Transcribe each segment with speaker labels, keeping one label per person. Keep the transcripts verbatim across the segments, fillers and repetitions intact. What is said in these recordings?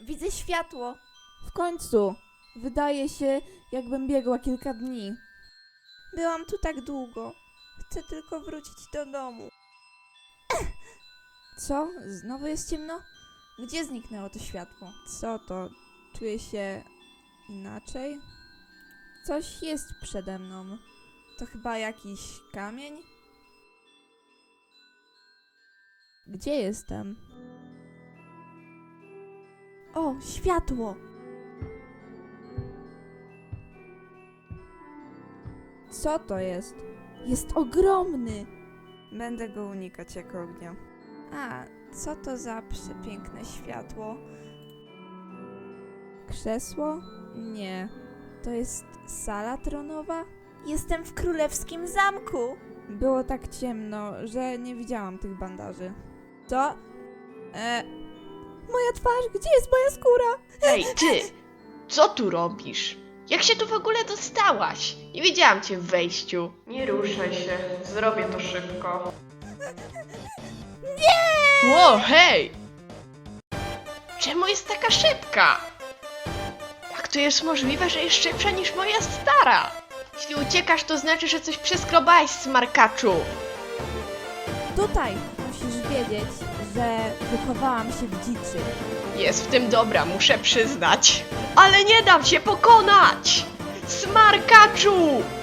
Speaker 1: Widzę światło. W końcu. Wydaje się, jakbym biegła kilka dni. Byłam tu tak długo. Chcę tylko wrócić do domu. Co? Znowu jest ciemno? Gdzie zniknęło to światło? Co to? Czuję się inaczej? Coś jest przede mną. To chyba jakiś kamień? Gdzie jestem? O, światło! Co to jest? Jest ogromny! Będę go unikać jak ognia. A, co to za przepiękne światło? Krzesło? Nie. To jest sala tronowa? Jestem w królewskim zamku! Było tak ciemno, że nie widziałam tych bandaży. Co? E... Moja twarz! Gdzie jest moja skóra?
Speaker 2: Hej, ty! Co tu robisz? Jak się tu w ogóle dostałaś? Nie widziałam cię w wejściu. Nie ruszaj się, zrobię to szybko.
Speaker 1: Nie!
Speaker 2: Ło, hej! Czemu jest taka szybka? Jak to jest możliwe, że jest szybsza niż moja stara? Jeśli uciekasz, to znaczy, że coś przeskrobałeś, smarkaczu.
Speaker 1: Tutaj musisz wiedzieć, że wychowałam się w dziczy.
Speaker 2: Jest w tym dobra, muszę przyznać. Ale nie dam się pokonać! Smarkaczu!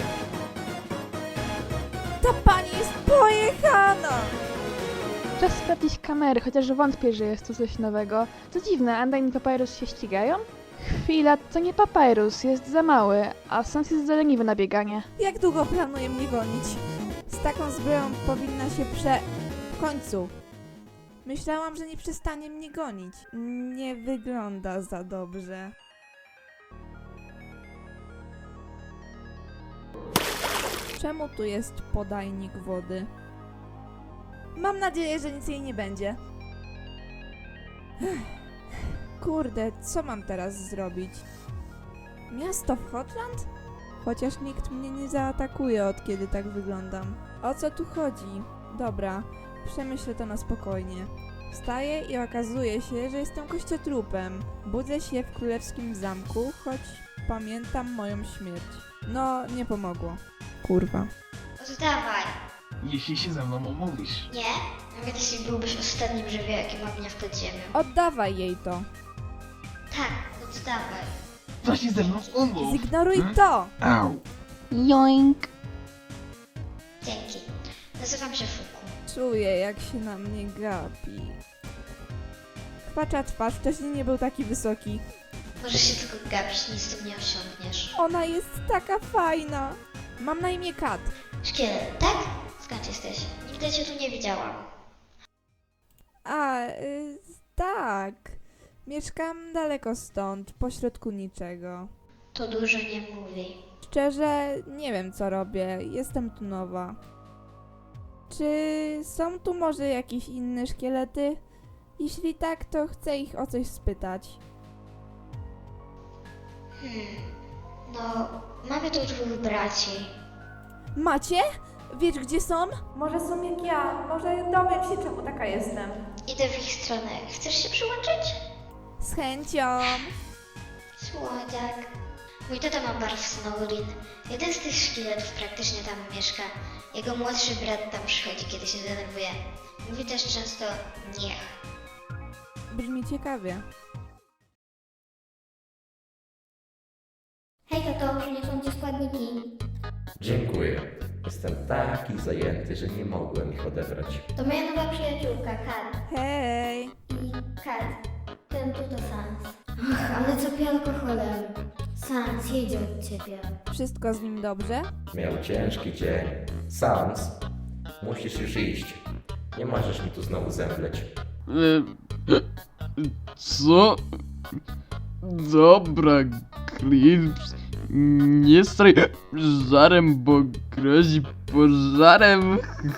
Speaker 1: Ta pani jest pojechana!
Speaker 3: Czas sprawdzić kamery, chociaż wątpię, że jest tu coś nowego. To dziwne, Undyne i Papyrus się ścigają? Chwila, to nie Papyrus, jest za mały, a Sans jest za leniwy na bieganie.
Speaker 1: Jak długo planuje mnie gonić? Z taką zbroją powinna się prze... W końcu. Myślałam, że nie przestanie mnie gonić. Nie wygląda za dobrze. Czemu tu jest podajnik wody? Mam nadzieję, że nic jej nie będzie. Kurde, co mam teraz zrobić? Miasto w Hotland? Chociaż nikt mnie nie zaatakuje, od kiedy tak wyglądam. O co tu chodzi? Dobra, przemyślę to na spokojnie. Wstaję i okazuje się, że jestem kościotrupem. Budzę się w królewskim zamku, choć pamiętam moją śmierć. No, nie pomogło. Kurwa.
Speaker 4: Oddawaj.
Speaker 5: Jeśli się ze mną umówisz.
Speaker 4: Nie? Nawet jeśli byłbyś ostatnim żywiołakiem ognia pod ziemią.
Speaker 1: Oddawaj jej to.
Speaker 4: Tak, oddawaj.
Speaker 5: To się ze mną umów.
Speaker 1: Zignoruj
Speaker 5: Hmm?
Speaker 1: to!
Speaker 5: Au.
Speaker 3: Joink!
Speaker 4: Dzięki. Nazywam się Fuku.
Speaker 1: Czuję, jak się na mnie gapi. Chwacza twarz wcześniej nie był taki wysoki.
Speaker 4: Możesz się tylko gapić, nic tu nie osiągniesz.
Speaker 1: Ona jest taka fajna. Mam na imię Kat.
Speaker 4: Szkielet, tak? Skąd jesteś? Nigdy cię tu nie widziałam.
Speaker 1: A, y, tak. Mieszkam daleko stąd, pośrodku niczego.
Speaker 4: To dużo nie mówi.
Speaker 1: Szczerze, nie wiem co robię. Jestem tu nowa. Czy są tu może jakieś inne szkielety? Jeśli tak, to chcę ich o coś spytać.
Speaker 4: Hmm. No, mamy tu dwóch braci.
Speaker 1: Macie? Wiesz gdzie są? Może są jak ja. Może dowiem się czemu taka jestem.
Speaker 4: Idę w ich stronę. Chcesz się przyłączyć?
Speaker 1: Z chęcią.
Speaker 4: Słodziak. Mój tata ma bar w Snowrin. Jeden z tych szkieletów praktycznie tam mieszka. Jego młodszy brat tam przychodzi, kiedy się denerwuje. Mówi też często niech.
Speaker 1: Brzmi ciekawie.
Speaker 6: Hej tato, przyniosłam ci składniki.
Speaker 7: Dziękuję. Jestem taki zajęty, że nie mogłem ich odebrać.
Speaker 6: To moja nowa przyjaciółka, Kat.
Speaker 1: Hej!
Speaker 6: I Kat, ten tu to Sans. Ach, ale co pije alkoholem. Sans, jedzie od ciebie.
Speaker 1: Wszystko z nim dobrze?
Speaker 7: Miał ciężki dzień. Sans, musisz już iść. Nie możesz mi tu znowu zemdleć.
Speaker 8: E, Co? Dobra, Clips. Nie straj żarem, bo grozi pożarem.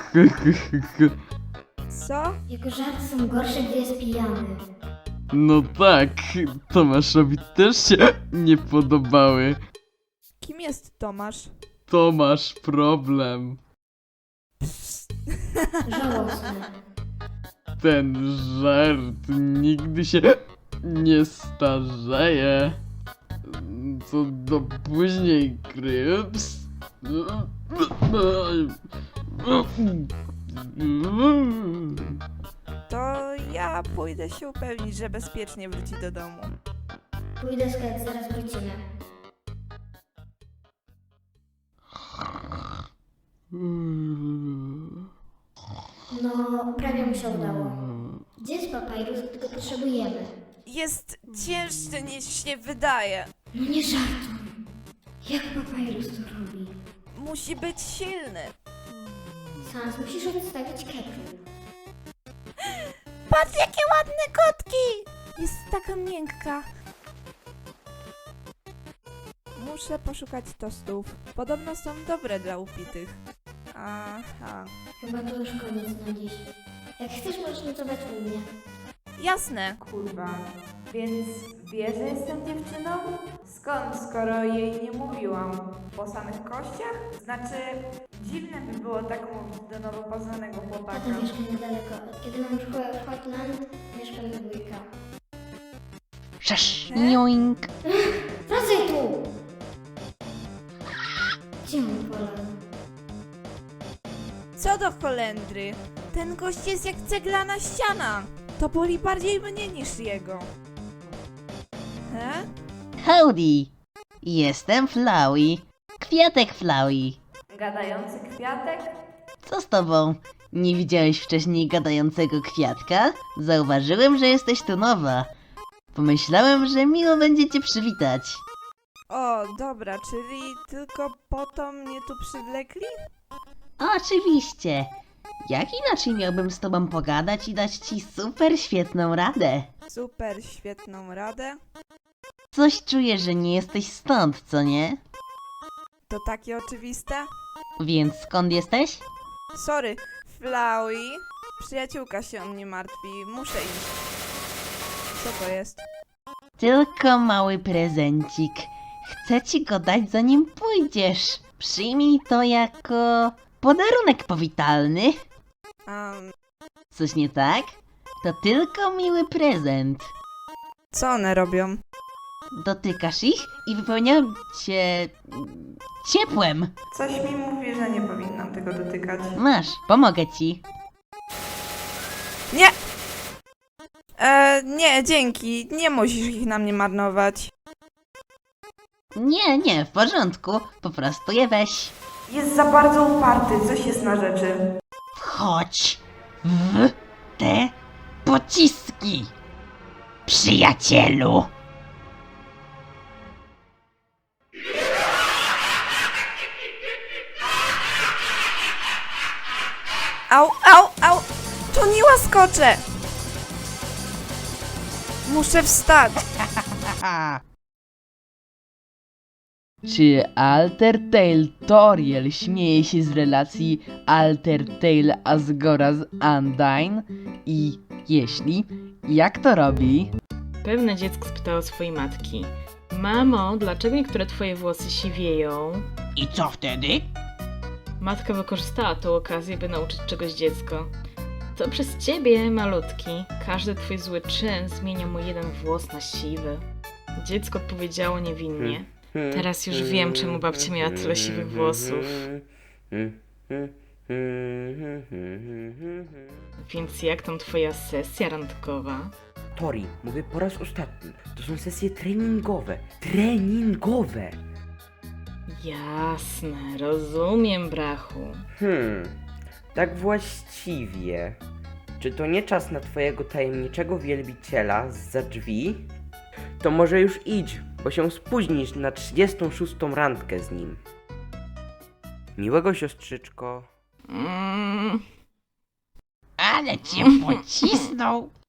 Speaker 1: Co?
Speaker 6: Jego żarty są gorsze, gdy jest pijany.
Speaker 8: No tak, Tomaszowi też się nie podobały.
Speaker 1: Kim jest Tomasz?
Speaker 8: To masz problem.
Speaker 6: Żałosne.
Speaker 8: Ten żart nigdy się nie starzeje. Co do później, Kryps.
Speaker 1: To ja pójdę się upewnić, że bezpiecznie wróci do domu.
Speaker 6: Pójdę skać, zaraz wrócimy. No, prawie mu się udało. Gdzie jest papyrus, gdy go potrzebujemy?
Speaker 1: Jest cięższy niż się wydaje.
Speaker 6: No nie żartuj. Jak papyrus to robi?
Speaker 1: Musi być silny.
Speaker 6: Sans, musisz odstawić kepru.
Speaker 1: Patrz, jakie ładne kotki! Jest taka miękka. Muszę poszukać tostów. Podobno są dobre dla upitych. Aha.
Speaker 6: Chyba to już koniec na dziś. Jak chcesz, możesz nocować u mnie.
Speaker 1: Jasne. Kurwa. Więc wie, że jestem dziewczyną? Skąd, skoro jej nie mówiłam? Po samych kościach? Znaczy, dziwne by było tak mówić do nowo poznanego chłopaka.
Speaker 6: Tata mieszka niedaleko. Od kiedy mam szkołę w Hotland, mieszkam na dwójka.
Speaker 3: Szasz,
Speaker 1: E?
Speaker 3: joink.
Speaker 6: Wracaj tu! Gdzie on polał?
Speaker 1: Co do Holendry? Ten gość jest jak ceglana ściana. To boli bardziej mnie niż jego. He?
Speaker 9: Howdy! Jestem Flowey. Kwiatek Flowey.
Speaker 1: Gadający kwiatek?
Speaker 9: Co z tobą? Nie widziałeś wcześniej gadającego kwiatka? Zauważyłem, że jesteś tu nowa. Pomyślałem, że miło będzie cię przywitać.
Speaker 1: O, dobra, czyli tylko po to mnie tu przywlekli?
Speaker 9: Oczywiście. Jak inaczej miałbym z tobą pogadać i dać ci super świetną radę?
Speaker 1: Super, świetną radę.
Speaker 9: Coś czuję, że nie jesteś stąd, co nie?
Speaker 1: To takie oczywiste?
Speaker 9: Więc skąd jesteś?
Speaker 1: Sorry, Flowey. Przyjaciółka się o mnie martwi. Muszę iść. Co to jest?
Speaker 9: Tylko mały prezencik. Chcę ci go dać, zanim pójdziesz. Przyjmij to jako podarunek powitalny.
Speaker 1: Um,
Speaker 9: Coś nie tak? To tylko miły prezent.
Speaker 1: co one robią?
Speaker 9: Dotykasz ich i wypełniają cię mm, ciepłem.
Speaker 1: Coś mi mówi, że nie powinnam tego dotykać.
Speaker 9: Masz, pomogę ci.
Speaker 1: Nie! E, nie, dzięki. Nie musisz ich na mnie marnować.
Speaker 9: Nie, nie, w porządku. Po prostu je weź.
Speaker 1: Jest za bardzo uparty. Coś jest na rzeczy.
Speaker 9: Wchodź w te pociski, przyjacielu.
Speaker 1: Au, au, au! To nie łaskocze! Muszę wstać.
Speaker 8: Czy Altertale Toriel śmieje się z relacji Altertale Asgora z Undyne? I jeśli, jak to robi?
Speaker 10: Pewne dziecko spytało swojej matki: Mamo, dlaczego niektóre twoje włosy siwieją?
Speaker 9: I co wtedy?
Speaker 10: Matka wykorzystała tą okazję, by nauczyć czegoś dziecko. To przez ciebie, malutki. Każdy twój zły czyn zmienia mu jeden włos na siwy. Dziecko odpowiedziało niewinnie: Teraz już wiem, czemu babcia miała tyle siwych włosów. Więc jak tam twoja sesja randkowa?
Speaker 11: Tori, mówię po raz ostatni. To są sesje treningowe. Treningowe!
Speaker 10: Jasne, rozumiem, brachu.
Speaker 11: Hmm, tak właściwie. Czy to nie czas na twojego tajemniczego wielbiciela zza drzwi? To może już idź, bo się spóźnisz na trzydziestą szóstą randkę z nim. Miłego, siostrzyczko.
Speaker 10: Mm.
Speaker 9: Ale cię pocisnął.